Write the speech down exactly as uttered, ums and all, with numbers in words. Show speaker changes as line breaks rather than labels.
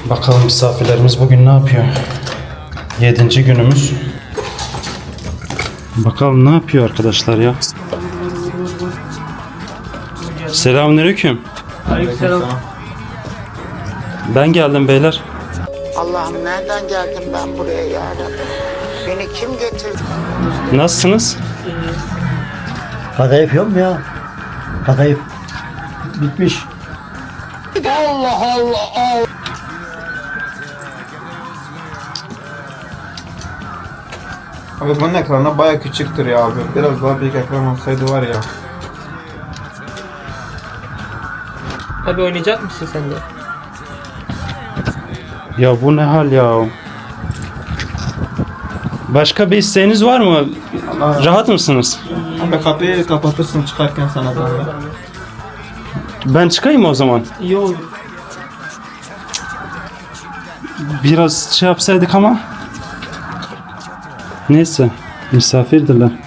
Bakalım misafirlerimiz bugün ne yapıyor? Yedinci günümüz. Bakalım ne yapıyor arkadaşlar ya. Selamünaleyküm.
Aleykümselam.
Ben geldim beyler.
Allah'ım nereden geldim ben buraya ya Rabbi? Beni kim getirdi?
Nasılsınız?
Kadayıf yok mu ya? Kadayıf bitmiş.
Allah Allah Allah.
Abi bunun ekranı baya küçüktür ya abi. Biraz daha büyük ekran olsaydı var ya.
Abi oynayacak mısın sen de?
Ya bu ne hal ya? Başka bir isteğiniz var mı? Rahat mısınız?
Abi kapıyı kapatırsın çıkarken sana zahmet.
Ben çıkayım o zaman.
İyi olur.
Biraz şey yapsaydık ama. Neyse. Misafirdiler.